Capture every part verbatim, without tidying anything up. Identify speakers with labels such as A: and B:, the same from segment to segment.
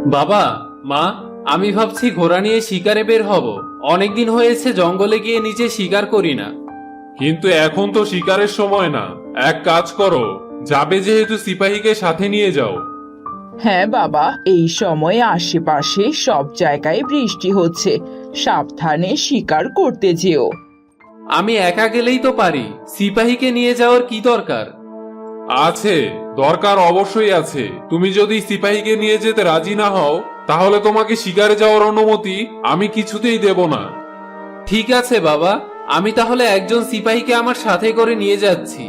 A: বাবা, মা, আমি ভাবছি ঘোড়া নিয়ে শিকারে বের হব। অনেকদিন হয়েছে জঙ্গলে গিয়ে নিজে শিকার করি না।
B: কিন্তু এখন তো শিকারের সময় না। এক কাজ করো, যাবে যেহেতু সিপাহীকে সাথে নিয়ে যাও।
C: হ্যাঁ বাবা, এই সময়ে আশেপাশে সব জায়গায় বৃষ্টি হচ্ছে, সাবধানে শিকার করতে যেও।
A: আমি একা গেলেই তো পারি, সিপাহীকে নিয়ে যাওয়ার কি দরকার?
B: আছে, দরকার অবশ্যই আছে। তুমি যদি সিপাহীকে নিয়ে যেতে রাজি না হও, তাহলে তোমাকে শিকারে যাওয়ার অনুমতি আমি কিছুতেই দেব না।
A: ঠিক আছে বাবা, আমি তাহলে একজন সিপাহীকে আমার সাথে করে নিয়ে যাচ্ছি।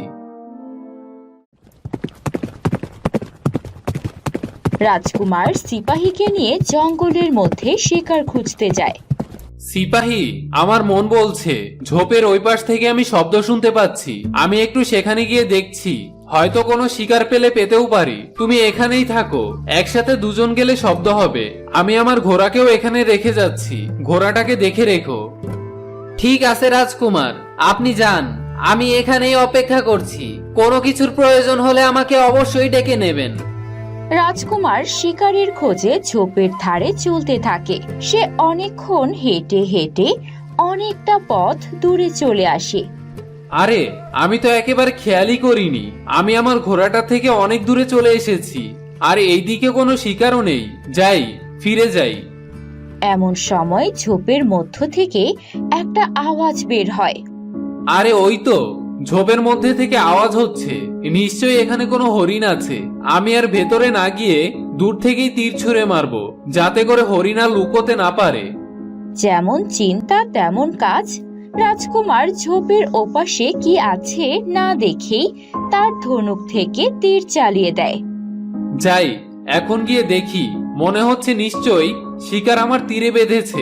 D: রাজকুমার সিপাহীকে নিয়ে জঙ্গলের মধ্যে শিকার খুঁজতে যায়।
A: সিপাহী, আমার মন বলছে ঝোপের ওই পাশ থেকে আমি শব্দ শুনতে পাচ্ছি। আমি একটু সেখানে গিয়ে দেখছি, হয়তো কোনো শিকার পেলে পেতেও পারি। তুমি এখানেই থাকো, একসাথে দুজন গেলে শব্দ হবে। আমি আমার ঘোড়াকেও এখানে রেখে যাচ্ছি, ঘোড়াটাকে দেখে রেখো। ঠিক আছে রাজকুমার, আপনি যান, আমি এখানেই অপেক্ষা করছি। কোনো কিছুর প্রয়োজন হলে আমাকে অবশ্যই ডেকে নেবেন।
D: রাজকুমার শিকারের খোঁজে ঝোপের ধারে চলতে থাকে। সে অনেকক্ষণ হেঁটে হেঁটে অনেকটা পথ দূরে চলে আসে।
A: আরে, আমি তো একেবারে খেয়ালই করিনি, আমি আমার ঘোড়াটা থেকে অনেক দূরে চলে এসেছি। আর এইদিকে কোনো শিকারও নেই। যাই, ফিরে যাই।
D: এমন সময় ঝোপের মধ্য থেকে একটা আওয়াজ বের হয়।
A: আরে ওই তো, ঝোপের মধ্যে থেকে আওয়াজ হচ্ছে। নিশ্চয়ই এখানে কোনো হরিণ আছে। আমি আর ভেতরে না গিয়ে দূর থেকেই তীর ছুঁড়ে মারবো, যাতে করে হরিণ আর লুকোতে না পারে।
D: যেমন চিন্তা তেমন কাজ। রাজকুমার ঝোপের ওপাশে কি আছে না দেখেই তার ধনুক থেকে তীর চালিয়ে দেয়।
A: যাই, এখন গিয়ে দেখি। মনে হচ্ছে নিশ্চয়ই শিকার আমার তীরে বেঁধেছে।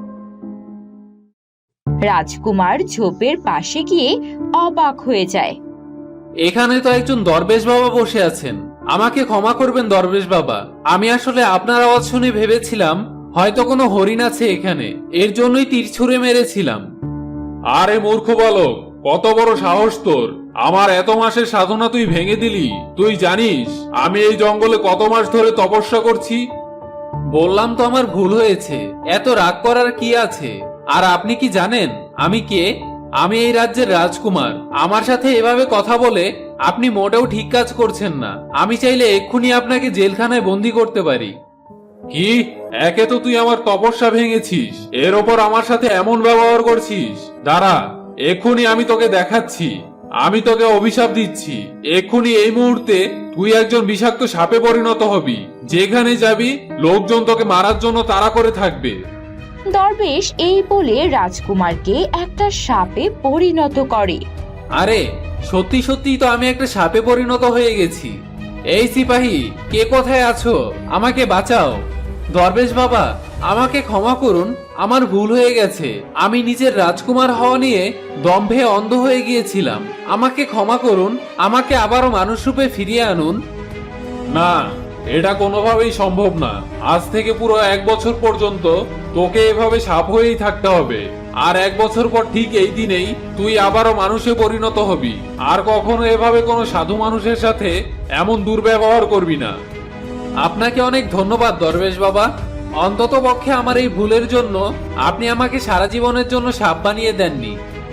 D: রাজকুমার ঝোপের পাশে গিয়ে অবাক হয়ে যায়।
A: এখানে তো একজন দরবেশ বাবা বসে আছেন। আমাকে ক্ষমা করবেন দরবেশ বাবা, আমি আসলে আপনার আওয়াজ শুনে ভেবেছিলাম হয়তো কোনো হরিণ আছে এখানে, এর জন্যই তীর ছুঁড়ে মেরেছিলাম।
B: আরে মূর্খ বালক, কত বড় সাহস তোর! আমার এত মাসের সাধনা তুই ভেঙে দিলি। তুই জানিস আমি এই জঙ্গলে কত মাস ধরে তপস্যা করছি?
A: বললাম তো আমার ভুল হয়েছে, এত রাগ করার কি আছে? আর আপনি কি জানেন আমি কে? আমি এই রাজ্যের রাজকুমার। আমার সাথে এভাবে কথা বলে আপনি মোটেও ঠিক কাজ করছেন না। আমি চাইলে এক্ষুনি আপনাকে জেলখানায় বন্দি করতে পারি।
B: কি? একে তো তুই আমার তপস্যা ভেঙেছিস, এর ওপর আমার সাথে এমন ব্যবহার করছিস? দাঁড়া, এক্ষুনি আমি তোকে দেখাচ্ছি। আমি তোকে অভিশাপ দিচ্ছি, এক্ষুনি এই মুহূর্তে তুই একজন বিষাক্ত সাপে পরিণত হবি। যেখানে যাবি লোকজন তোকে মারার জন্য তাড়া করে থাকবে।
D: দরবেশ এই বলে রাজকুমারকে একটা সাপে পরিণত করে।
A: আরে সত্যি সত্যি তো আমি একটা সাপে পরিণত হয়ে গেছি। এই সিপাহী, কে কোথায় আছো? আমাকে বাঁচাও। দরবেশ বাবা, আমাকে ক্ষমা করুন, আমার ভুল হয়ে গেছে। আমি নিজের রাজকুমার হওয়া নিয়ে দম্ভে অন্ধ হয়ে গিয়েছিলাম। আমাকে ক্ষমা করুন, আমাকে আবারও মানুষ রূপে ফিরিয়ে আনুন।
B: না, এটা কোনোভাবেই সম্ভব না। আজ থেকে পুরো এক বছর পর্যন্ত তোকে এভাবে সাপ হয়েই থাকতে হবে। আর এক বছর পর ঠিক এই দিনেই তুই আবারও মানুষে পরিণত হবি। আর কখনো এভাবে কোনো সাধু মানুষের সাথে এমন দুর্ব্যবহার করবি না।
A: আপনাকে অনেক ধন্যবাদ দরবেশ বাবা। অন্তত পক্ষে আমার এই ভুলের জন্য আপনি আমাকে সারা জীবনের জন্য সাপ বানিয়ে দেননি।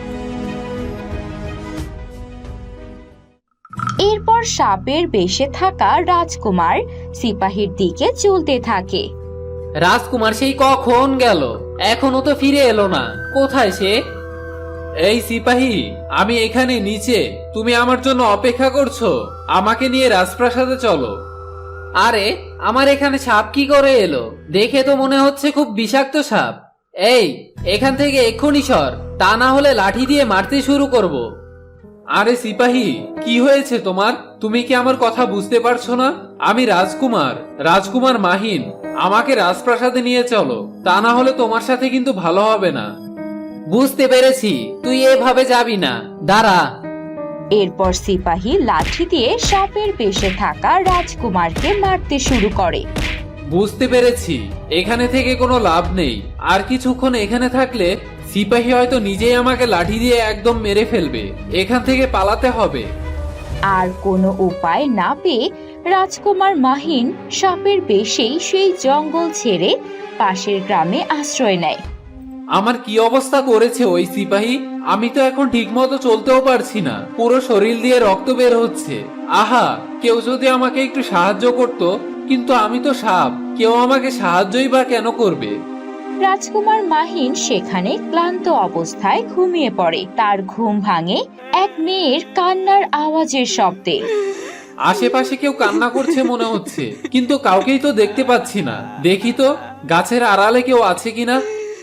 D: এরপর সাপের বেশে থাকা রাজকুমার সিপাহীর দিকে চলতে থাকে।
A: রাজকুমার সেই কখন গেল, এখনো তো ফিরে এলো না। কোথায় সে? এই সিপাহী, আমি এখানে নিচে। তুমি আমার জন্য অপেক্ষা করছো? আমাকে নিয়ে রাজপ্রাসাদে চলো। আরে, আমার এখানে সাপ কি করে এলো? দেখে তো মনে হচ্ছে খুব বিষাক্ত সাপ। এই, এখান থেকে এক্ষুনি সর, তা না হলে লাঠি দিয়ে মারতে শুরু করব। আরে সিপাহী, কি হয়েছে তোমার? তুমি কি আমার কথা বুঝতে পারছো না? আমি রাজকুমার, রাজকুমার মাহিন। আমাকে রাজপ্রাসাদে নিয়ে চলো, তা না হলে তোমার সাথে কিন্তু ভালো হবে না। বুঝতে পেরেছি, তুই এভাবে যাবি না, দাঁড়া।
D: এরপর সিপাহী লাঠি দিয়ে সাপের বেশে থাকা রাজকুমারকে মারতে শুরু করে।
A: বুঝতে পেরেছি, এখানে থেকে কোনো লাভ নেই। আর কিছুক্ষণ এখানে থাকলে সিপাহী হয়তো নিজেই আমাকে লাঠি দিয়ে একদম মেরে ফেলবে। এখান থেকে পালাতে হবে।
D: আর কোনো উপায় না পেয়ে রাজকুমার মাহিন সাপের বেশেই সেই জঙ্গল ছেড়ে পাশের গ্রামে আশ্রয় নেয়।
A: আমার কি অবস্থা করেছে ওই সিপাহী! আমি তো এখন ঠিকমতো চলতেও পারছি না, পুরো শরীর দিয়ে রক্ত বের হচ্ছে। আহা, কেউ যদি আমাকে একটু সাহায্য করত, কিন্তু আমি তো সাপ, কেউ আমাকে সাহায্যই বা কেন করবে?
D: রাজকুমার মাহিন সেখানে ক্লান্ত অবস্থায় ঘুমিয়ে পড়ে। তার ঘুম ভাঙে এক মেয়ের কান্নার আওয়াজের শব্দে।
A: আশেপাশে কেউ কান্না করছে মনে হচ্ছে, কিন্তু কাউকেই তো দেখতে পাচ্ছি না। দেখি তো গাছের আড়ালে কেউ আছে কিনা।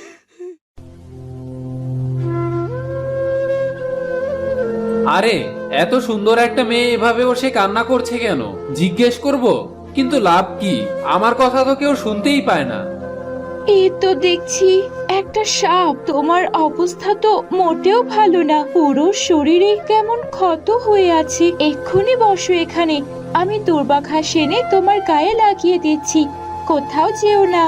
A: আরে, এত সুন্দর একটা মেয়ে এভাবে বসে কান্না করছে কেন? জিজ্ঞেস করব, কিন্তু লাভ কি? আমার কথা তো কেউ শুনতেই পায় না।
D: এই তো দেখছি একটা সাপ। তোমার অবস্থা তো মোটেও ভালো না, পুরো শরীরে কেমন ক্ষত হয়ে আছে। এক্ষুনি বসো এখানে, আমি দুর্বাঘাস এনে তোমার গায়ে লাগিয়ে দিচ্ছি। কোথাও যেও না।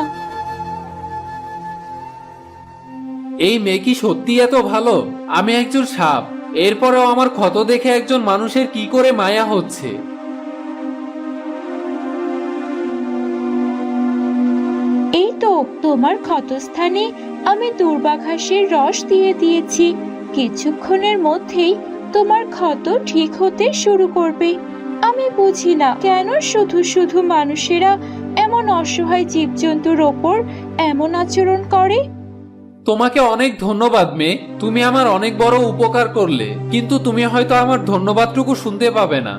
A: এই মেয়ে কি সত্যি এত ভালো? আমি একজন সাপ, এরপরেও আমার ক্ষত দেখে একজন মানুষের কি করে মায়া হচ্ছে।
D: এই তো তোমার ক্ষতস্থানে আমি দুর্বাঘাসের রস দিয়ে দিয়েছি। কিছুক্ষণের মধ্যেই তোমার ক্ষত ঠিক হতে শুরু করবে। আমি বুঝি না কেন শুধু শুধু মানুষেরা এমন অসহায় জীবজন্তুর ওপর এমন আচরণ করে।
A: তোমাকে অনেক ধন্যবাদ মেয়ে, তুমি আমার অনেক বড় উপকার করলে, কিন্তু তুমি হয়তো আমার ধন্যবাদটুকু শুনতে পাবে না।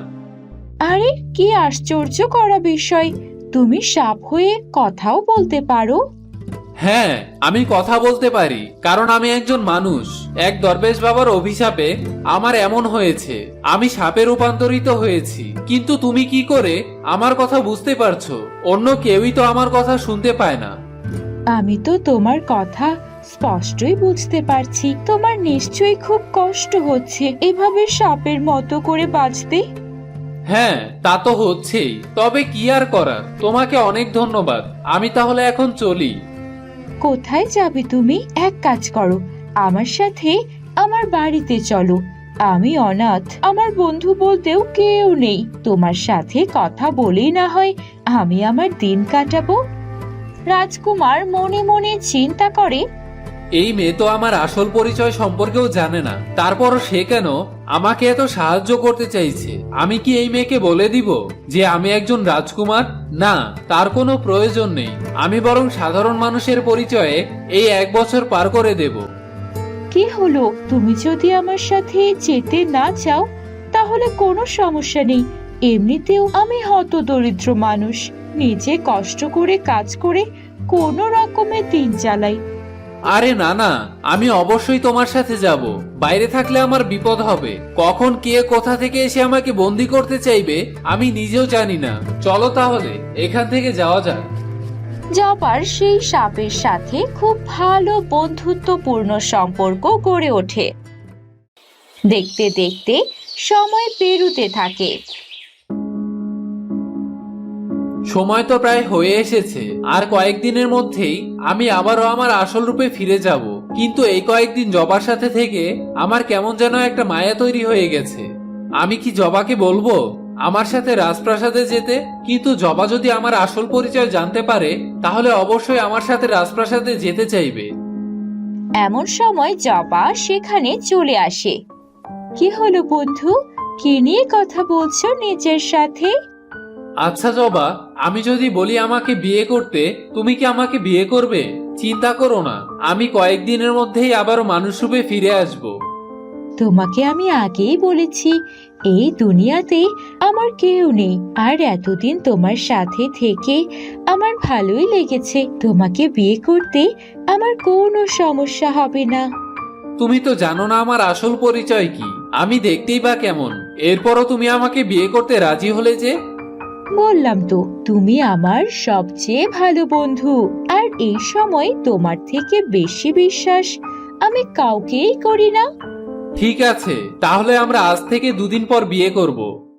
D: আরে কি আশ্চর্য করা বিষয়, তুমি সাপ হয়ে কথাও বলতে পারো?
A: হ্যাঁ, আমি কথা বলতে পারি, কারণ আমি একজন মানুষ। এক দরবেশ বাবার অভিশাপে আমার এমন হয়েছে, আমি সাপে রূপান্তরিত হয়েছি। কিন্তু তুমি কি করে আমার কথা বুঝতে পারছো? অন্য কেউই তো আমার কথা শুনতে পায় না।
D: আমি তো তোমার কথা স্পষ্টই বুঝতে পারছি। তোমার নিশ্চয়ই খুব কষ্ট হচ্ছে এভাবে সাপের মতো করে বাঁচতে।
A: হ্যাঁ, তা তো হচ্ছেই, তবে কি আর করার। তোমাকে অনেক ধন্যবাদ, আমি তাহলে এখন চলি।
D: কোথায় যাবে তুমি? এক কাজ করো, আমার সাথে আমার বাড়িতে চলো। আমি অনাথ, আমার বন্ধু বলতেও কেউ নেই। তোমার সাথে কথা বলেই না হয় আমি আমার দিন কাটাবো। রাজকুমার মনে মনে চিন্তা করে,
A: এই মেয়ে তো আমার আসল পরিচয় সম্পর্কেও জানে না, তারপরও সে কেন আমাকে এত সাহায্য করতে চাইছে? আমি কি এই মেয়েকে বলে দিব যে আমি একজন রাজকুমার? না, তার কোনো প্রয়োজন নেই। আমি বরং সাধারণ মানুষের পরিচয়ে এই এক বছর পার করে দেব।
D: কি হলো? তুমি যদি আমার সাথে যেতে না চাও তাহলে কোনো সমস্যা নেই। এমনিতেও আমি হতদরিদ্র মানুষ, নিজে কষ্ট করে কাজ করে কোনো রকমে দিন চালাই।
A: আরে না না, আমি অবশ্যই তোমার সাথে যাব। বাইরে থাকলে আমার বিপদ হবে, কখন কে কোথা থেকে এসে আমাকে বন্দি করতে চাইবে আমি নিজেও জানি না। চলো তাহলে এখান থেকে যাওয়া যাক।
D: জবার সেই সাপের সাথে খুব ভালো বন্ধুত্বপূর্ণ সম্পর্ক গড়ে ওঠে। দেখতে দেখতে সময় পেরুতে থাকে।
A: সময় তো প্রায় হয়ে এসেছে, আর কয়েকদিনের মধ্যেই আমি আবারও আমার আসল রূপে ফিরে যাব। কিন্তু এই কয়েকদিন জবার সাথে থেকে আমার কেমন যেন একটা মায়া তৈরি হয়ে গেছে। আমি কি জবাকে বলবো আমার সাথে রাজপ্রাসাদে যেতে? কিন্তু জবা যদি আমার আসল পরিচয় জানতে পারে তাহলে অবশ্যই আমার সাথে রাজপ্রাসাদে যেতে চাইবে।
D: এমন সময় জবা সেখানে চলে আসে। কি হলো বন্ধু, কি নিয়ে কথা বলছো নিজের সাথে?
A: আচ্ছা জবা, আমি যদি বলি আমাকে বিয়ে করতে, তুমি কি আমাকে বিয়ে করবে? চিন্তা করো না, আমি কয়েকদিনের মধ্যেই আবারও মানুষ রূপে ফিরে আসবো।
D: তোমাকে আমি আগেই বলেছি এই দুনিয়াতে আমার কেউ নেই, আর এতদিন তোমার সাথে থেকে আমার ভালোই লেগেছে। তোমাকে বিয়ে করতে আমার কোনো সমস্যা হবে না।
A: তুমি তো জানো না আমার আসল পরিচয় কি, আমি দেখতেই বা কেমন। এরপরও তুমি আমাকে বিয়ে করতে রাজি হলে যে?
D: বললাম তো তুমি আমার সবচেয়ে ভালো বন্ধু, আর এই সময় তোমার থেকে বেশি বিশ্বাস আমি কাউকেই করি না।
A: ঠিক আছে, তাহলে আমরা আজ থেকে দুদিন পর বিয়ে করব।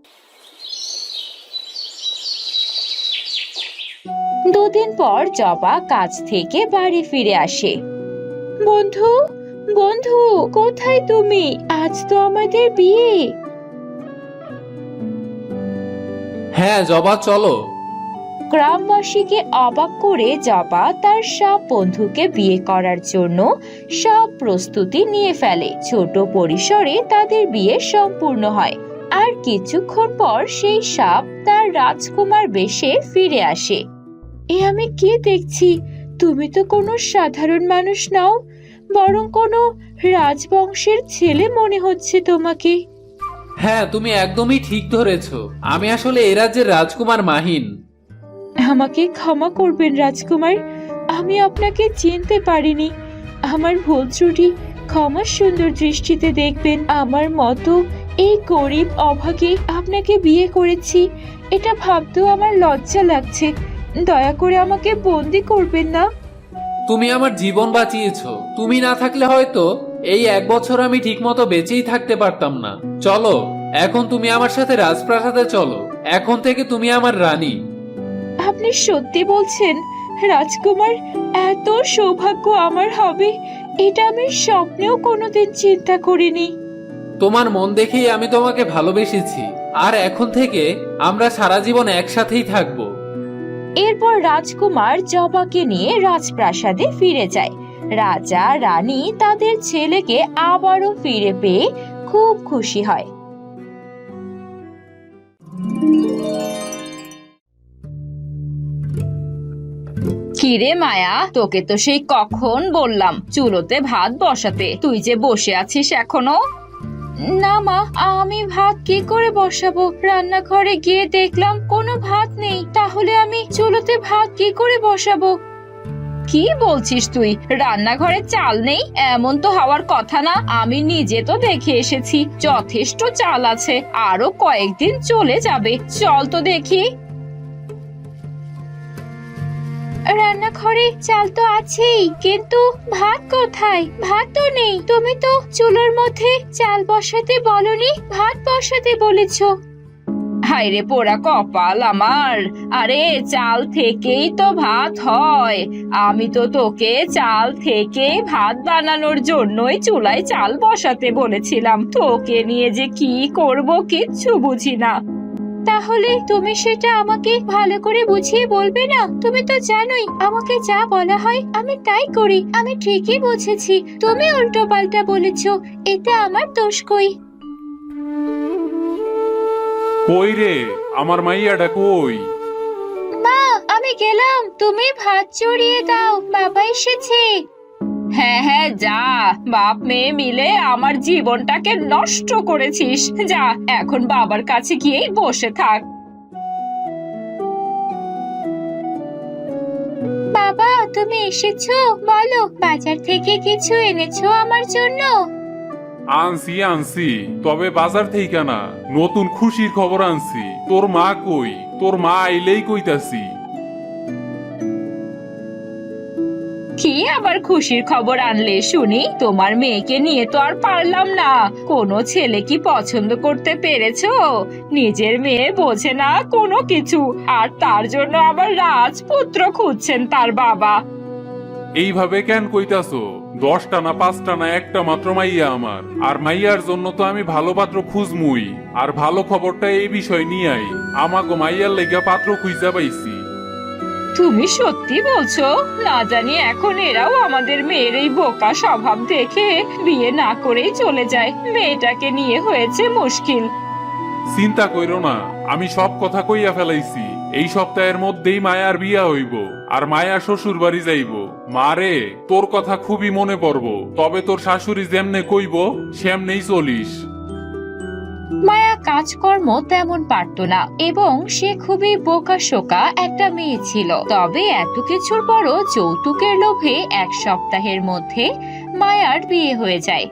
D: দুদিন পর জবা কাজ থেকে বাড়ি ফিরে আসে। বন্ধু, বন্ধু, কোথায় তুমি? আজ তো আমাদের বিয়ে।
A: হ্যাঁ জবা, চলো।
D: গ্রামবাসীকে অবাক করে জবা তার সব বন্ধুকে বিয়ে করার জন্য সব প্রস্তুতি নিয়ে ফেলে। ছোট পরিসরে তাদের বিয়ে সম্পূর্ণ হয়। আর কিছুক্ষণ পর সেই সাপ তার রাজকুমার বেশে ফিরে আসে। এ আমি কি দেখছি? তুমি তো কোনো সাধারণ মানুষ নও, বরং কোনো রাজবংশের ছেলে মনে হচ্ছে তোমাকে।
A: হ্যাঁ, তুমি একদমই ঠিক ধরেছ। আমি আসলে এ রাজ্যের রাজকুমার মাহিন।
D: আমাকে ক্ষমা করবেন রাজকুমার, আমি আপনাকে চিনতে পারিনি। আমার ভুল ত্রুটি ক্ষমা সুন্দর দৃষ্টিতে দেখবেন। আমার মতো এই গরিব অভাগে আপনাকে বিয়ে করেছি, এটা ভাবতেও আমার লজ্জা লাগছে। দয়া করে আমাকে বন্দি করবেন না।
A: তুমি আমার জীবন বাঁচিয়েছো। তুমি না থাকলে হয়তো এই এক বছর আমি ঠিকমতো বেঁচেই থাকতে পারতাম না। চলো, এখন তুমি আমার সাথে রাজপ্রাসাদে চলো। এখন থেকে তুমি আমার রানী।
D: আপনি সত্যি বলছেন রাজকুমার? এত সৌভাগ্য আমার হবে এটা আমি স্বপ্নেও কোনোদিন চিন্তা করিনি।
A: তোমার মন দেখেই আমি তোমাকে ভালোবেসেছি, আর এখন থেকে আমরা সারা জীবন একসাথেই থাকবো।
D: এরপর রাজকুমার জবাকে নিয়ে রাজপ্রাসাদে ফিরে যায়। রাজা রানী তাদের ছেলেকে আবারও ফিরে পেয়ে খুব খুশি হয়। কিরে মায়া, তোকে তো সেই কখন বললাম চুলোতে ভাত বসাতে, তুই যে বসে আছিস এখনো? না মা, আমি ভাত কি করে বসাবো? রান্নাঘরে গিয়ে দেখলাম কোনো ভাত নেই, তাহলে আমি চুলোতে ভাত কি করে বসাবো? কি বলছিস তুই? রান্নাঘরে চাল নেই এমন তো হওয়ার কথা না। আমি নিজে তো দেখে এসেছি যথেষ্ট চাল আছে, আরো কয়েকদিন চলে যাবে। চল তো দেখি। রান্নাঘরে চাল তো আছেই, কিন্তু ভাত কোথায়? ভাত তো নেই। তুমি তো চুলোর মধ্যে চাল বসাতে বলনি, ভাত বসাতে বলেছো। হায় রে পোড়া কপাল আমার! আরে চাল থেকেই তো ভাত হয়। আমি তো তোকে চাল থেকে ভাত বানানোর জন্যই চুলায় চাল বসাতে বলেছিলাম। তোকে নিয়ে যে কি করব কিচ্ছু বুঝি না। তাহলে তুমি সেটা আমাকে ভালো করে বুঝিয়ে বলবে না? তুমি তো জানোই আমাকে যা বলা হয় আমি তাই করি। আমি ঠিকই বুঝেছি, তুমি উল্টো পাল্টা বলেছো, এতে আমার দোষ কই?
B: কই রে, আমার মাইয়াটা কই?
D: মা, আমি গেলাম, তুমি ভাত চড়িয়ে দাও, বাবা এসেছে। হ্যাঁ হ্যাঁ যা, বাপ মেয়ে মিলে আমার জীবনটাকে নষ্ট করেছিস। যা, এখন বাবার কাছে গিয়েই বসে থাক। বাবা, তুমি এসেছো? বলো, বাজার থেকে কিছু এনেছো আমার জন্য?
B: আনছি আনছি, তবে বাজার থেকে না, নতুন খুশির খবর আনছি। তোর মা কই? তোর মা আইলেই কইতাছি।
D: কি আবার খুশির খবর আনলে শুনি? তোমার মেয়েকে নিয়ে তো আর পারলাম না। কোনো ছেলে কি পছন্দ করতে পেরেছো? নিজের মেয়ে বোঝে না কোনো কিছু, আর তার জন্য আবার রাজপুত্র খুঁজছেন তার বাবা।
B: এইভাবে কেন কইতাছো? দশটা না পাঁচটা না একটা মাত্র মাইয়া আমার, আর মাইয়ার জন্য তো আমি ভালো পাত্র খুঁজমুই। আর ভালো খবরটা এই বিষয় নিয়ে আই, আমাগো মাইয়ার লেগা পাত্র খুঁজা পাইছি।
D: তুমি সত্যি বলছো? না জানি এখন এরাও আমাদের মেয়ের এই বোকা স্বভাব দেখে বিয়ে না করেই চলে যায়। মেয়েটাকে নিয়ে হয়েছে মুশকিল।
B: চিন্তা কইরো না, আমি সব কথা কইয়া ফেলাইছি। এই সপ্তাহের মধ্যেই মায়ার বিয়া হইব, আর মায়া শ্বশুর বাড়ি যাইব। মারে, তোর কথা খুবই মনে পড়ব, তবে তোর শাশুড়ি যেমনে কইব সেমনেই চলিস।
D: মায়া কাজকর্ম তেমন পারত না এবং সে খুবই বোকাশোকা একটা মেয়ে ছিল। তবে এত কিছুর পরও যৌতুকের লোভে এক সপ্তাহের মধ্যে মায়ার বিয়ে হয়ে যায়।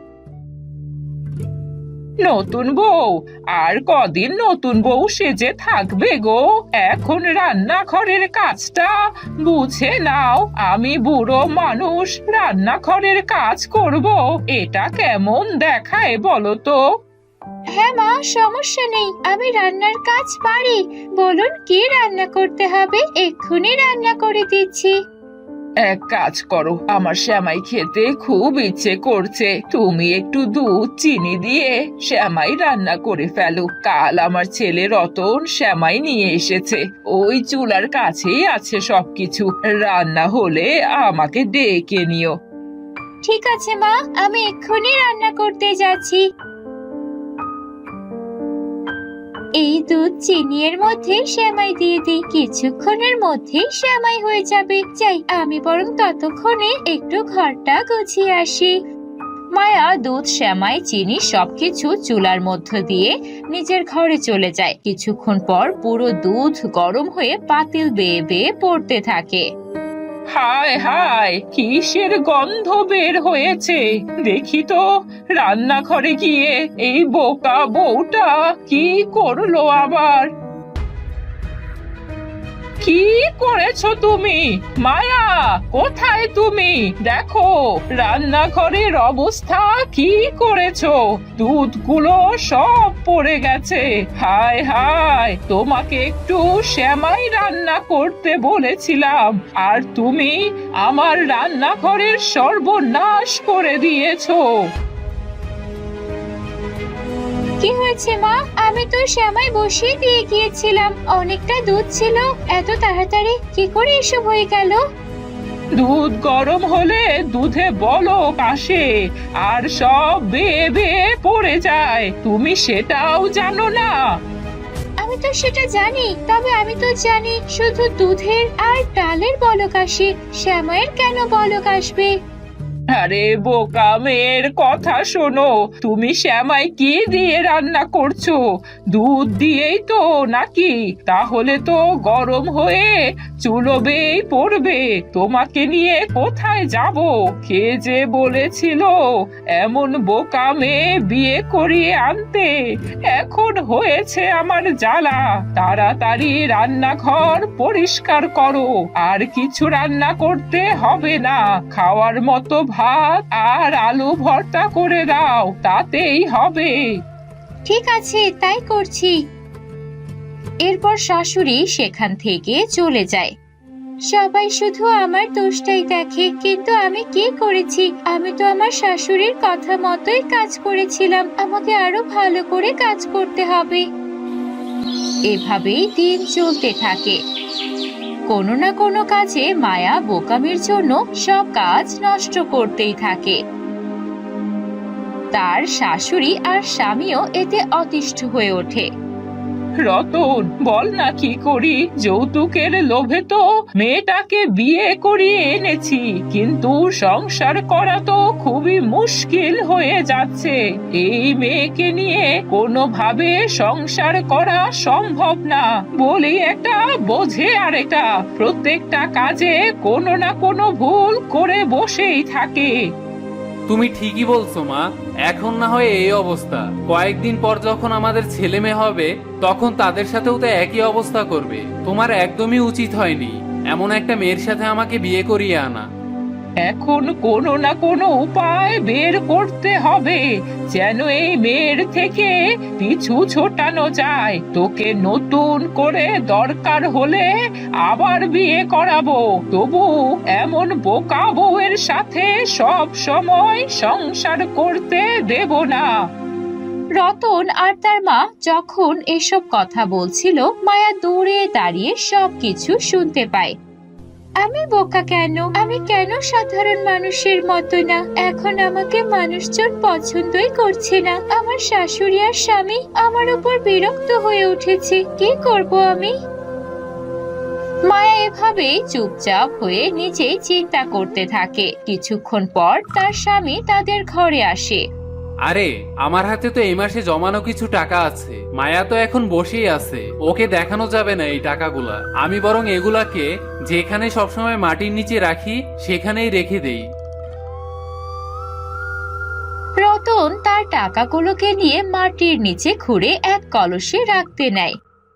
C: নতুন বউ আর কদিন নতুন বউ সেজে থাকবে গো? এখন রান্নাঘরের কাজটা বুঝে নাও। আমি বুড়ো মানুষ, রান্নাঘরের কাজ করব, এটা কেমন দেখায় বলো তো?
D: হ্যাঁ মা, সমস্যা নেই, আমি রান্নার কাজ পারি। বলুন কি রান্না করতে হবে, এক্ষুনি রান্না করে দিচ্ছি।
C: এক কাজ করো, আমার শ্যামাই খেতে খুব ইচ্ছে করছে, তুমি একটু দুধ চিনি দিয়ে শ্যামাই রান্না করে ফেলো। কাল আমার ছেলে রতন শ্যামাই নিয়ে এসেছে, ওই চুলার কাছেই আছে সবকিছু। রান্না হলে আমাকে ডেকে নিও।
D: ঠিক আছে মা, আমি এক্ষুনি রান্না করতে যাচ্ছি। এই দুধ চিনি এর মধ্যে সেমাই দিয়ে দিই, কিছুক্ষণের মধ্যেই সেমাই হয়ে যাবে। যাই, আমি বরং ততক্ষণে একটু ঘরটা গুছিয়ে আসি। মায়া দুধ সেমাই চিনি সবকিছু চুলার মধ্য দিয়ে নিজের ঘরে চলে যায়। কিছুক্ষণ পর পুরো দুধ গরম হয়ে পাতিল বেয়ে বেয়ে পড়তে থাকে।
C: হায় হায়, কিসের গন্ধ বের হয়েছে দেখি তো। রান্নাঘরে গিয়ে এই বোকা বউটা কি করলো আবার? কি করেছো তুমি? মায়া, কোথায় তুমি? দেখো রান্নাঘরের অবস্থা কি করেছো। দুধগুলো সব পড়ে গেছে। হায় হায়, তোমাকে একটু সেমাই রান্না করতে বলেছিলাম, আর তুমি আমার রান্নাঘরের সর্বনাশ করে দিয়েছো।
D: কি হয়েছে মা? আমি তো সেমাই বসিয়ে দিয়ে গিয়েছিলাম, অনেকটা দুধ ছিল, এত তাড়াতাড়ি কি করে এসব হয়ে গেল?
C: দুধ গরম হলে দুধে বলক আসে আর সব বেয়ে বেয়ে পড়ে যায়, তুমি সেটাও জানো না?
D: আমি তো সেটা জানি, তবে আমি তো জানি শুধু দুধের আর ডালের বলক আসে, সেমাইয়ের কেন বলক আসবে?
C: আরে বোকা মেয়ের কথা শোনো, তুমি শ্যামাই কি দিয়ে রান্না করছো? দুধ দিয়েই তো নাকি? তাহলে তো গরম হয়ে চুলোবেই পড়বে। তোমাকে নিয়ে কোথায় যাব? কে যে বলেছিল এমন বোকা মেয়ে বিয়ে করিয়ে আনতে? এখন হয়েছে আমার জ্বালা। তাড়াতাড়ি রান্নাঘর পরিষ্কার করো, আর কিছু রান্না করতে হবে না। খাওয়ার মতো ভাত আর আলু ভর্তা করে দাও, তাতেই হবে।
D: ঠিক আছে, তাই করছি। এরপর শাশুড়ি সেখান থেকে চলে যায়। সবাই শুধু আমার দোষটাই দেখে, কিন্তু আমি কি করেছি? আমি তো আমার শাশুড়ির কথা মতোই কাজ করেছিলাম, আমাকে আরো ভালো করে কাজ করতে হবে। এভাবেই দিন চলতে থাকে। কোনো না কোনো কাজে মায়া বোকামির জন্য সব কাজ নষ্ট করতেই থাকে। তার শাশুড়ি আর স্বামীও এতে অতিষ্ঠ হয়ে ওঠে।
C: রতন, বল না কি করি? যৌতুকের লোভে তো মেয়েটাকে বিয়ে করিয়ে এনেছি, কিন্তু সংসার করা তো খুবই মুশকিল হয়ে যাচ্ছে। এই মেয়েকে নিয়ে কোনোভাবে সংসার করা সম্ভব না। বলি একটা বোঝে আর এটা প্রত্যেকটা কাজে কোনো না কোনো ভুল করে বসেই থাকে।
A: তুমি ঠিকই বলছো মা, এখন না হয় এই অবস্থা, কয়েকদিন পর যখন আমাদের ছেলে মেয়ে হবে তখন তাদের সাথেও তো একই অবস্থা করবে। তোমার একদমই উচিত হয়নি এমন একটা মেয়ের সাথে আমাকে বিয়ে করিয়ে আনা।
C: এখন কোনো না কোনো উপায় বের করতে হবে, যেন এই মেয়ের থেকে পিছু ছোটানো যায়। তোকে নতুন করে দরকার হলে আবার বিয়ে করাবো, তবু এমন বোকা বউয়ের সাথে সব সময় সংসার করতে দেব না।
D: রতন আর তার মা যখন এসব কথা বলছিল, মায়া দূরে দাঁড়িয়ে সবকিছু শুনতে পায়। আমি বোকা কেন? আমি কেন সাধারণ মানুষের মতো না? এখন আমাকে মানুষজন পছন্দই করছে না। আমার শাশুড়ি আর স্বামী আমার উপর বিরক্ত হয়ে উঠেছে, কি করব আমি? মায়া এভাবে চুপচাপ হয়ে নিজেই চিন্তা করতে থাকে। কিছুক্ষণ পর তার স্বামী তাদের ঘরে আসে।
A: আরে, আমার হাতে তো এই মাসে জমানো কিছু টাকা আছে। মায়া তো এখন বসেই আছে, ওকে দেখানো যাবে না এই টাকাগুলা। আমি বরং এগুলাকে যেখানে সবসময় মাটির নিচে রাখি সেখানেই রেখে দেই।
D: রতন তার টাকাগুলোকে নিয়ে মাটির নিচে খুঁড়ে এক কলসে রাখতে নেয়।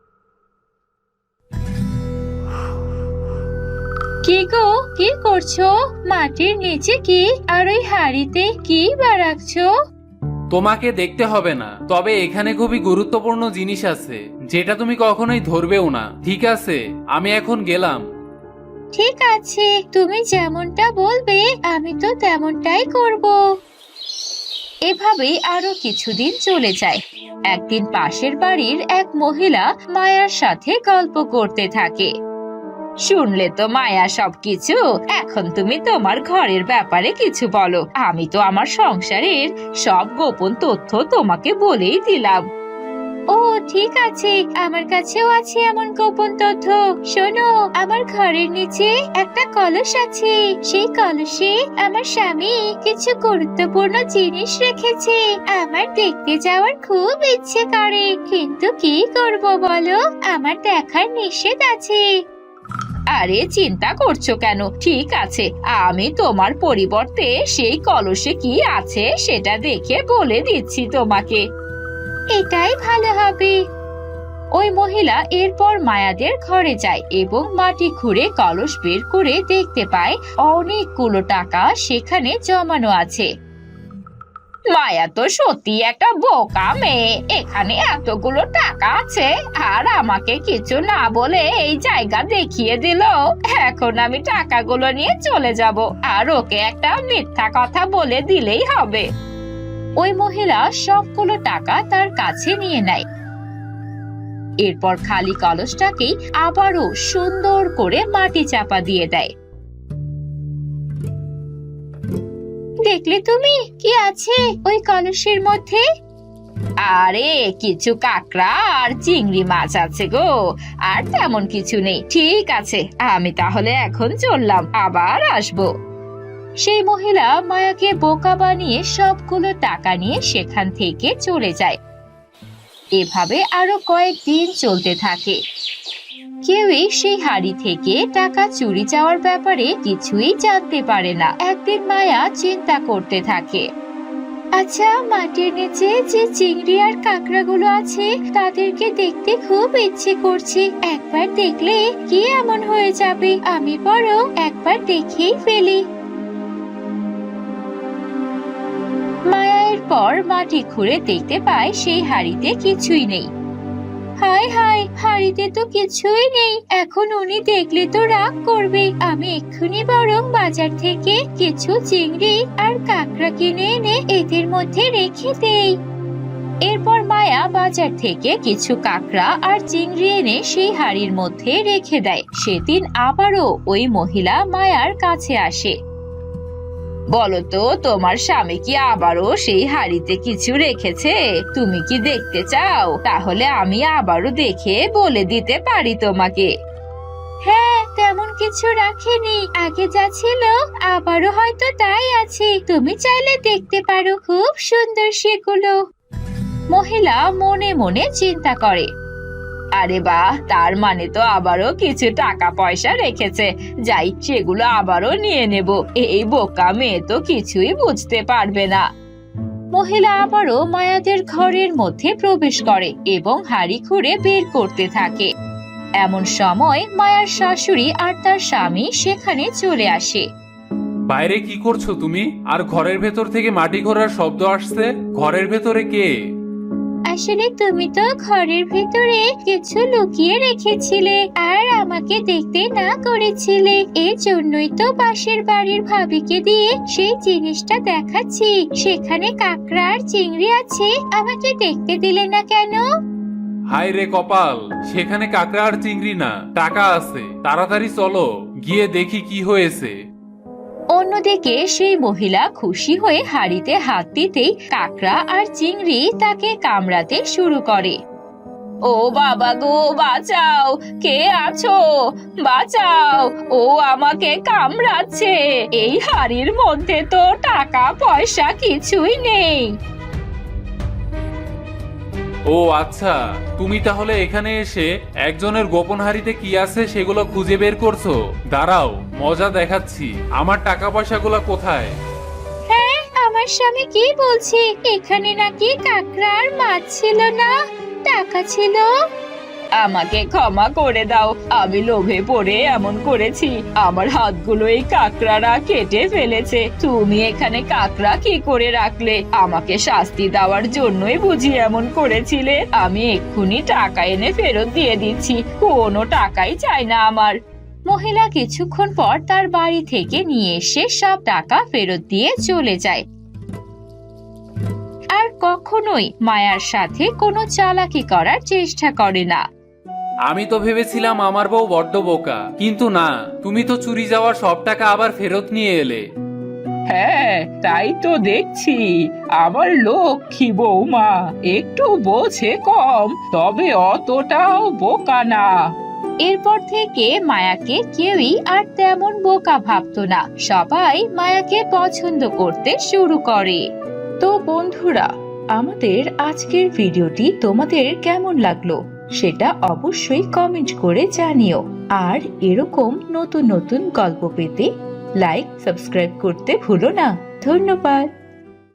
D: কি গো, কি করছো? মাটির নিচে কি আর ওই হাড়িতে কি বা রাখছো?
A: তোমাকে দেখতে হবে না, তবে এখানে খুবই গুরুত্বপূর্ণ জিনিস আছে যেটা তুমি কখনোই ধরবেও না। ঠিক আছে, আমি এখন গেলাম।
D: ঠিক আছে, তুমি যেমনটা বলবে আমি তো তেমনটাই করব। এভাবেই আরো কিছুদিন চলে যায়। একদিন পাশের বাড়ির এক মহিলা মায়ার সাথে গল্প করতে থাকে। শুনলে তো মায়া সবকিছু, এখন তুমি তোমার ঘরের ব্যাপারে কিছু বলো। আমি তো আমার সংসারের সব গোপন তথ্য তোমাকে বলেই দিলাম। ও ঠিক আছে, আমার কাছেও আছে এমন গোপন তথ্য। শোনো, আমার ঘরের নিচে একটা কলস আছে। সেই কলসে আমার স্বামী কিছু গুরুত্বপূর্ণ জিনিস রেখেছে। আমার দেখতে যাওয়ার খুব ইচ্ছে করে, কিন্তু কি করব বলো, আমার দেখার নিষেধ আছে। আরে চিন্তা করছো কেন? ঠিক আছে, আমি তোমার পরিবর্তে সেই কলসে কি আছে সেটা দেখে বলে দিচ্ছি তোমাকে। এটাই ভালো হবে। ওই মহিলা এরপর মায়াদের ঘরে যায় এবং মাটি খুঁড়ে কলস বের করে দেখতে পায় অনেকগুলো টাকা সেখানে জমানো আছে। মায়া তো সত্যি একটা বোকা মেয়ে, এখানে এতগুলো টাকা আছে আর আমাকে কিছু না বলে এই জায়গা দেখিয়ে দিল। এখন আমি টাকাগুলো নিয়ে চলে যাব আর ওকে একটা মিথ্যা কথা বলে দিলেই হবে। ওই মহিলা সবগুলো টাকা তার কাছে নিয়ে নেয়। এরপর খালি কলসটাকেই আবারও সুন্দর করে মাটি চাপা দিয়ে দেয়। দেখলে তুমি কি আছে ওই কলসের মধ্যে? আরে কিছু কাঁকড়া আর চিংড়ি মাছ আছে গো, আর তেমন কিছু নেই। ঠিক আছে, আমি তাহলে এখন চললাম, আবার আসবো। সেই মহিলা মায়াকে বোকা বানিয়ে সবগুলো টাকা নিয়ে সেখান থেকে চলে যায়। এভাবে আরো কয়েকদিন চলতে থাকে। কেউই সেই হাড়ি থেকে টাকা চুরি যাওয়ার ব্যাপারে কিছুই জানতে পারে না। একদিন মায়া চিন্তা করতে থাকে, আচ্ছা মাটির নিচে যে চিংড়ি আর কাঁকড়াগুলো আছে তাদেরকে দেখতে খুব ইচ্ছে করছে। একবার দেখলে কি এমন হয়ে যাবে, আমি বরং একবার দেখেই ফেলি। মায়া এরপর মাটি খুঁড়ে দেখতে পায় সেই হাড়িতে কিছুই নেই। হায় হায়, হাড়িতে তো কিছুই নেই, এখন উনি দেখলে তো রাগ করবে। আমি এক্ষুনি বরং বাজার থেকে কিছু চিংড়ি আর কাঁকড়া কিনে এনে এদের মধ্যে রেখে দেই। এরপর মায়া বাজার থেকে কিছু কাঁকড়া আর চিংড়ি এনে সেই হাড়ির মধ্যে রেখে দেয়। সেদিন আবারও ওই মহিলা মায়ার কাছে আসে। বলো তো, তোমার স্বামী কি আবারও সেই হাড়িতে কিছু রেখেছে? তুমি কি দেখতে চাও? তাহলে আমি আবারও দেখে বলে দিতে পারি তোমাকে। হ্যাঁ, তেমন কিছু রাখিনি, আগে যা ছিল আবারও হয়তো তাই আছে। তুমি চাইলে দেখতে পারো, খুব সুন্দর সেগুলো। মহিলা মনে মনে চিন্তা করে, আরে বাহ, তার মানে তো আবারও কিছু টাকা পয়সা রেখেছে। যাই, সেগুলো আবারও নিয়ে নেব। এই বোকা মেয়ে তো কিছুই বুঝতে পারবে না। মহিলা আবারও মায়াদের ঘরের মধ্যে প্রবেশ করে এবং হাড়ি খুঁড়ে বের করতে থাকে। এমন সময় মায়ার শাশুড়ি আর তার স্বামী সেখানে চলে আসে।
B: বাইরে কি করছো তুমি? আর ঘরের ভেতর থেকে মাটি খোঁড়ার শব্দ আসছে, ঘরের ভেতরে কে?
D: আসলে তুমি তো ঘরের ভিতরে কিছু লুকিয়ে রেখেছিলে আর আমাকে দেখতে না করেছিলে, এর জন্যই তো পাশের বাড়ির ভাবিকে দিয়ে সেই জিনিসটা দেখাচ্ছি। সেখানে কাঁকড়া আর চিংড়ি আছে, আমাকে দেখতে দিলে না কেন?
B: হায় রে কপাল, সেখানে কাঁকড়া আর চিংড়ি না, টাকা আছে। তাড়াতাড়ি চলো, গিয়ে দেখি কি হয়েছে।
D: অন্যদিকে সেই মহিলা খুশি হয়ে হাড়িতে হাত দিতেই কাঁকড়া আর চিংড়ি তাকে কামড়াতে শুরু করে। ও বাবা গো, বাঁচাও, কে আছো? বাঁচাও, ও আমাকে কামড়াচ্ছে। এই হাড়ির মধ্যে তো টাকা পয়সা কিছুই নেই।
B: ও আচ্ছা, তুমি তাহলে এখানে এসে একজনের গোপন হাড়িতে কি আছে সেগুলো খুঁজে বের করছো। দাঁড়াও, মজা দেখাচ্ছি। আমার টাকা পয়সাগুলো কোথায়?
D: হ্যাঁ, আমার স্বামী কি বলছে? এখানে নাকি কাঁকড়া আর মাছ ছিল না, টাকা ছিল। আমাকে ক্ষমা করে দাও, আমি লোভে পড়ে এমন করেছি। আমার হাতগুলো এই কাঁকড়ারা কেটে ফেলেছে। তুমি এখানে কাঁকড়া কি করে রাখলে? আমাকে শাস্তি দেওয়ার জন্যই বুঝি এমন করেছিলে। আমি এক্ষুনি টাকা এনে ফেরত দিয়ে দিচ্ছি, কোনো টাকাই চাই না আমার। মহিলা কিছুক্ষণ পর তার বাড়ি থেকে নিয়ে এসে সব টাকা ফেরত দিয়ে চলে যায় আর কখনোই মায়ার সাথে কোনো চালাকি করার চেষ্টা করে না।
A: আমি তো ভেবেছিলাম আমার বউ বড্ড বোকা, কিন্তু না, তুমি তো চুরি যাওয়ার সব টাকা আবার ফেরত নিয়ে এলে।
C: হ্যাঁ, তাই তো দেখছি। আমার লক্ষ্মী বৌমা একটু বোঝে কম, তবে অতটাও বোকা না।
D: এরপর থেকে মায়াকে কেউই আর তেমন বোকা ভাবতো না, সবাই মায়াকে পছন্দ করতে শুরু করে। তো বন্ধুরা, আমাদের আজকের ভিডিওটি তোমাদের কেমন লাগলো সেটা অবশ্যই কমেন্ট করে জানিও। আর এরকম নতুন নতুন গল্প পেতে লাইক সাবস্ক্রাইব করতে ভুলো না। ধন্যবাদ।